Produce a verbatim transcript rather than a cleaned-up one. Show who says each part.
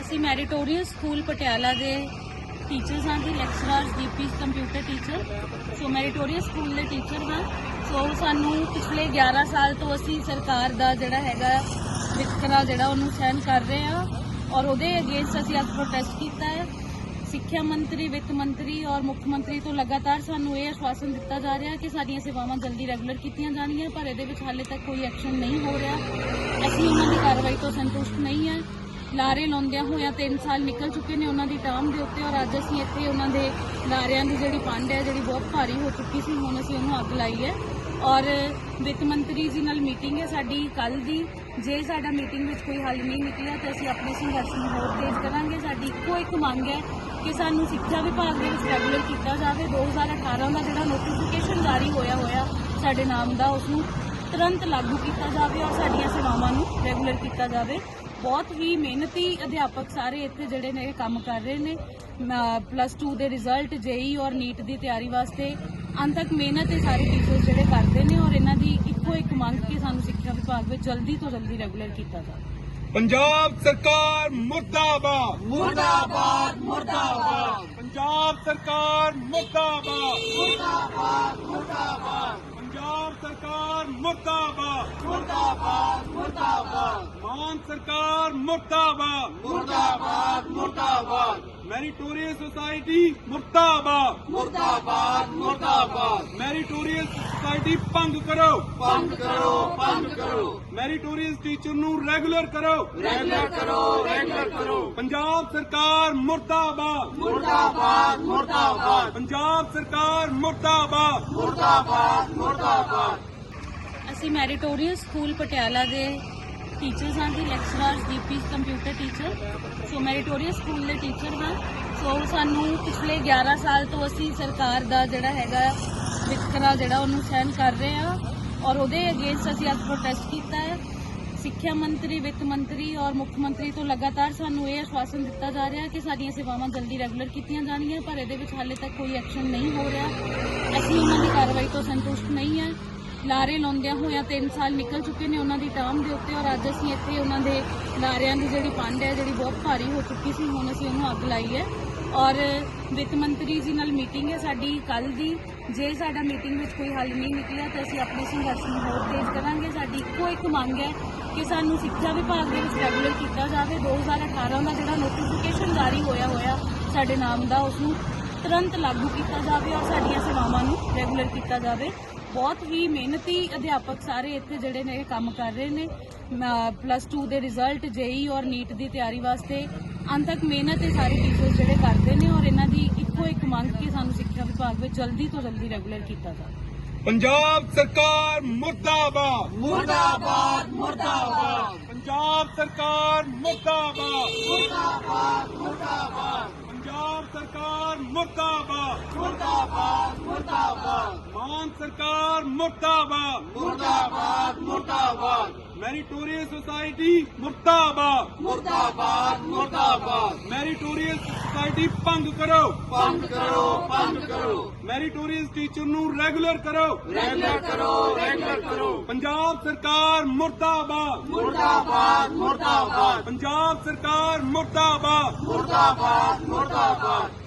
Speaker 1: ਅਸੀਂ meritorious school Patiala ਦੇ teachers ਹਾਂ ਜੀ, lecturers DP computer teacher. So meritorious school ਦੇ ਟੀਚਰ ਹਾਂ। ਸੋ ਸਾਨੂੰ ਪਿਛਲੇ ਗਿਆਰਾਂ ਸਾਲ ਤੋਂ ਅਸੀਂ ਸਰਕਾਰ ਦਾ ਜਿਹੜਾ ਹੈਗਾ ਵਿਤਕਰਾ ਜਿਹੜਾ ਉਹਨੂੰ ਸਹਿਣ ਕਰ ਰਹੇ ਹਾਂ ਔਰ ਉਹਦੇ ਅਗੇਂਸਟ ਅਸੀਂ ਅੱਜ ਪ੍ਰੋਟੈਸਟ ਕੀਤਾ ਹੈ। ਸਿੱਖਿਆ ਮੰਤਰੀ, ਵਿੱਤ ਮੰਤਰੀ ਔਰ ਮੁੱਖ ਮੰਤਰੀ ਤੋਂ ਲਗਾਤਾਰ ਸਾਨੂੰ ਇਹ ਆਸ਼ਵਾਸਨ ਦਿੱਤਾ ਜਾ ਰਿਹਾ ਕਿ ਸਾਡੀਆਂ ਸੇਵਾਵਾਂ ਜਲਦੀ ਰੈਗੂਲਰ ਕੀਤੀਆਂ ਜਾਣਗੀਆਂ, ਪਰ ਇਹਦੇ ਵਿੱਚ ਹਾਲੇ ਤੱਕ ਕੋਈ ਐਕਸ਼ਨ ਨਹੀਂ ਹੋ ਰਿਹਾ। ਅਸੀਂ ਉਹਨਾਂ ਦੀ ਕਾਰਵਾਈ ਤੋਂ ਸੰਤੁਸ਼ਟ ਨਹੀਂ ਹੈ। ਲਾਰੇ ਲਾਉਂਦਿਆਂ ਹੋਇਆਂ ਤਿੰਨ ਸਾਲ ਨਿਕਲ ਚੁੱਕੇ ਨੇ ਉਹਨਾਂ ਦੀ ਟਰਮ ਦੇ ਉੱਤੇ ਔਰ ਅੱਜ ਅਸੀਂ ਇੱਥੇ ਉਹਨਾਂ ਦੇ ਲਾਰਿਆਂ ਦੀ ਜਿਹੜੀ ਪੰਡ ਹੈ ਜਿਹੜੀ ਬਹੁਤ ਭਾਰੀ ਹੋ ਚੁੱਕੀ ਸੀ, ਹੁਣ ਅਸੀਂ ਉਹਨੂੰ ਅੱਗ ਲਾਈ ਹੈ। ਔਰ ਵਿੱਤ ਮੰਤਰੀ ਜੀ ਨਾਲ ਮੀਟਿੰਗ ਹੈ ਸਾਡੀ ਕੱਲ੍ਹ ਦੀ। ਜੇ ਸਾਡਾ ਮੀਟਿੰਗ ਵਿੱਚ ਕੋਈ ਹੱਲ ਨਹੀਂ ਨਿਕਲਿਆ ਤਾਂ ਅਸੀਂ ਆਪਣੇ ਸੰਘਰਸ਼ ਨੂੰ ਹੋਰ ਤੇਜ਼ ਕਰਾਂਗੇ। ਸਾਡੀ ਇੱਕੋ ਇੱਕ ਮੰਗ ਹੈ ਕਿ ਸਾਨੂੰ ਸਿੱਖਿਆ ਵਿਭਾਗ ਦੇ ਵਿੱਚ ਰੈਗੂਲਰ ਕੀਤਾ ਜਾਵੇ। ਦੋ ਹਜ਼ਾਰ ਅਠਾਰਾਂ ਦਾ ਜਿਹੜਾ ਨੋਟੀਫਿਕੇਸ਼ਨ ਜਾਰੀ ਹੋਇਆ ਹੋਇਆ ਸਾਡੇ ਨਾਮ ਦਾ, ਉਸਨੂੰ ਤੁਰੰਤ ਲਾਗੂ ਕੀਤਾ ਜਾਵੇ ਔਰ ਸਾਡੀਆਂ ਸੇਵਾਵਾਂ ਨੂੰ ਰੈਗੂਲਰ ਕੀਤਾ ਜਾਵੇ। ਬਹੁਤ ਹੀ ਮਿਹਨਤੀ ਅਧਿਆਪਕ ਸਾਰੇ ਇੱਥੇ ਜਿਹੜੇ ਨੇ ਕੰਮ ਕਰ ਰਹੇ ਨੇ। ਪਲੱਸ ਟੂ ਦੇ ਰਿਜ਼ਲਟ, ਜੇਈ ਔਰ ਨੀਟ ਦੀ ਤਿਆਰੀ ਵਾਸਤੇ ਅੰਤਕ ਮਿਹਨਤ ਇਹ ਸਾਰੇ ਟੀਚਰਸ ਜਿਹੜੇ ਕਰਦੇ ਨੇ ਔਰ ਇਹਨਾਂ ਦੀ ਇੱਕੋ ਇੱਕ ਮੰਗ ਕਿ ਸਾਨੂੰ ਸਿੱਖਿਆ ਵਿਭਾਗ ਵਿੱਚ ਜਲਦੀ ਤੋਂ ਜਲਦੀ ਰੈਗੂਲਰ ਕੀਤਾ ਜਾਵੇ।
Speaker 2: पंजाब सरकार मुर्दाबाद
Speaker 3: मुर्दाबाद मुर्दाबाद
Speaker 2: पंजाब सरकार मुर्दाबाद
Speaker 3: मुर्दाबाद मुर्दाबाद
Speaker 2: पंजाब सरकार मुर्दाबाद
Speaker 3: मुर्दाबाद मुर्दाबाद
Speaker 2: मान सरकार मुर्दाबाद
Speaker 3: मुर्दाबाद मुर्दाबाद
Speaker 2: मेरिटोरियस सोसाइटी मुर्दाबाद
Speaker 3: मुर्दाबाद मुर्दाबाद
Speaker 2: मेरिटोरियस सोसाइटी भंग करो
Speaker 3: बंद करो बंद करो
Speaker 2: मेरिटोरियस टीचर नू रेगुलर करो
Speaker 3: रेगुलर करो रेगुलर करो
Speaker 2: पंजाब सरकार मुर्दाबाद
Speaker 3: मुर्दाबाद मुर्दाबाद
Speaker 2: पंजाब सरकार मुर्दाबाद
Speaker 3: मुर्दाबाद मुर्दाबाद
Speaker 1: ਅਸੀਂ ਮੈਰੀਟੋਰੀਅਸ ਸਕੂਲ ਪਟਿਆਲਾ ਦੇ ਟੀਚਰਸ ਹਾਂ ਜੀ, lecturers DP computer teacher. So meritorious school ਦੇ ਟੀਚਰ ਹਾਂ। ਸੋ ਸਾਨੂੰ ਪਿਛਲੇ ਗਿਆਰਾਂ ਸਾਲ ਤੋਂ ਅਸੀਂ ਸਰਕਾਰ ਦਾ ਜਿਹੜਾ ਹੈਗਾ ਵਿਤਕਰਾ ਜਿਹੜਾ ਉਹਨੂੰ ਸਹਿਣ ਕਰ ਰਹੇ ਹਾਂ ਔਰ ਉਹਦੇ ਅਗੇਂਸਟ ਅਸੀਂ ਅੱਜ ਪ੍ਰੋਟੈਸਟ ਕੀਤਾ ਹੈ। ਸਿੱਖਿਆ ਮੰਤਰੀ, ਵਿੱਤ ਮੰਤਰੀ ਔਰ ਮੁੱਖ ਮੰਤਰੀ ਤੋਂ ਲਗਾਤਾਰ ਸਾਨੂੰ ਇਹ ਆਸ਼ਵਾਸਨ ਦਿੱਤਾ ਜਾ ਰਿਹਾ ਕਿ ਸਾਡੀਆਂ ਸੇਵਾਵਾਂ ਜਲਦੀ ਰੈਗੂਲਰ ਕੀਤੀਆਂ ਜਾਣਗੀਆਂ, ਪਰ ਇਹਦੇ ਵਿੱਚ ਹਾਲੇ ਤੱਕ ਕੋਈ ਐਕਸ਼ਨ ਨਹੀਂ ਹੋ ਰਿਹਾ। ਅਸੀਂ ਉਹਨਾਂ ਦੀ ਕਾਰਵਾਈ ਤੋਂ ਸੰਤੁਸ਼ਟ ਨਹੀਂ ਹੈ। ਲਾਰੇ ਲਾਉਂਦਿਆਂ ਹੋਇਆਂ ਤਿੰਨ ਸਾਲ ਨਿਕਲ ਚੁੱਕੇ ਨੇ ਉਹਨਾਂ ਦੀ ਟਰਮ ਦੇ ਉੱਤੇ ਔਰ ਅੱਜ ਅਸੀਂ ਇੱਥੇ ਉਹਨਾਂ ਦੇ ਲਾਰਿਆਂ ਦੀ ਜਿਹੜੀ ਪੰਡ ਹੈ ਜਿਹੜੀ ਬਹੁਤ ਭਾਰੀ ਹੋ ਚੁੱਕੀ ਸੀ, ਹੁਣ ਅਸੀਂ ਉਹਨੂੰ ਅੱਗ ਲਾਈ ਹੈ। ਔਰ ਵਿੱਤ ਮੰਤਰੀ ਜੀ ਨਾਲ ਮੀਟਿੰਗ ਹੈ ਸਾਡੀ ਕੱਲ੍ਹ ਦੀ। ਜੇ ਸਾਡਾ ਮੀਟਿੰਗ ਵਿੱਚ ਕੋਈ ਹੱਲ ਨਹੀਂ ਨਿਕਲਿਆ ਤਾਂ ਅਸੀਂ ਆਪਣੇ ਸੰਘਰਸ਼ ਨੂੰ ਹੋਰ ਤੇਜ਼ ਕਰਾਂਗੇ। ਸਾਡੀ ਇੱਕੋ ਇੱਕ ਮੰਗ ਹੈ ਕਿ ਸਾਨੂੰ ਸਿੱਖਿਆ ਵਿਭਾਗ ਦੇ ਵਿੱਚ ਰੈਗੂਲਰ ਕੀਤਾ ਜਾਵੇ। ਦੋ ਹਜ਼ਾਰ ਅਠਾਰਾਂ ਦਾ ਜਿਹੜਾ ਨੋਟੀਫਿਕੇਸ਼ਨ ਜਾਰੀ ਹੋਇਆ ਹੋਇਆ ਸਾਡੇ ਨਾਮ ਦਾ, ਉਸਨੂੰ ਤੁਰੰਤ ਲਾਗੂ ਕੀਤਾ ਜਾਵੇ ਔਰ ਸਾਡੀਆਂ ਸੇਵਾਵਾਂ ਨੂੰ ਰੈਗੂਲਰ ਕੀਤਾ ਜਾਵੇ। ਬਹੁਤ ਹੀ ਮਿਹਨਤੀ ਅਧਿਆਪਕ ਸਾਰੇ ਇੱਥੇ ਜਿਹੜੇ ਨੇ ਕੰਮ ਕਰ ਰਹੇ ਨੇ। ਪਲੱਸ ਟੂ ਦੇ ਰਿਜ਼ਲਟ, ਜੇਈ ਔਰ ਨੀਟ ਦੀ ਤਿਆਰੀ ਵਾਸਤੇ ਅੰਤਕ ਮਿਹਨਤ ਇਹ ਸਾਰੇ ਟੀਚਰਸ ਜਿਹੜੇ ਕਰਦੇ ਨੇ ਔਰ ਇਹਨਾਂ ਦੀ ਇੱਕੋ ਇੱਕ ਮੰਗ ਕਿ ਸਾਨੂੰ ਸਿੱਖਿਆ ਵਿਭਾਗ ਵਿੱਚ ਜਲਦੀ ਤੋਂ ਜਲਦੀ ਰੈਗੂਲਰ ਕੀਤਾ ਜਾਵੇ।
Speaker 2: पंजाब सरकार मुर्दाबाद
Speaker 3: मुर्दाबाद मुर्दाबाद
Speaker 2: पंजाब सरकार मुर्दाबाद
Speaker 3: मुर्दाबाद मुर्दाबाद
Speaker 2: पंजाब सरकार मुर्दाबाद
Speaker 3: मुर्दाबाद मुर्दाबाद
Speaker 2: मान सरकार मुर्दाबाद
Speaker 3: मुर्दाबाद मुर्दाबाद
Speaker 2: मेरिटोरियस सोसाइटी मुर्दाबाद
Speaker 3: मुर्दाबाद मुर्दाबाद
Speaker 2: मेरिटोरियस सोसाइटी भंग करो
Speaker 3: बंद करो बंद करो
Speaker 2: मेरिटोरियस टीचर नू रेगुलर करो
Speaker 3: रेगुलर करो रेगुलर करो
Speaker 2: पंजाब सरकार मुर्दाबाद
Speaker 3: मुर्दाबाद मुर्दाबाद
Speaker 2: पंजाब सरकार मुर्दाबाद
Speaker 3: मुर्दाबाद मुर्दाबाद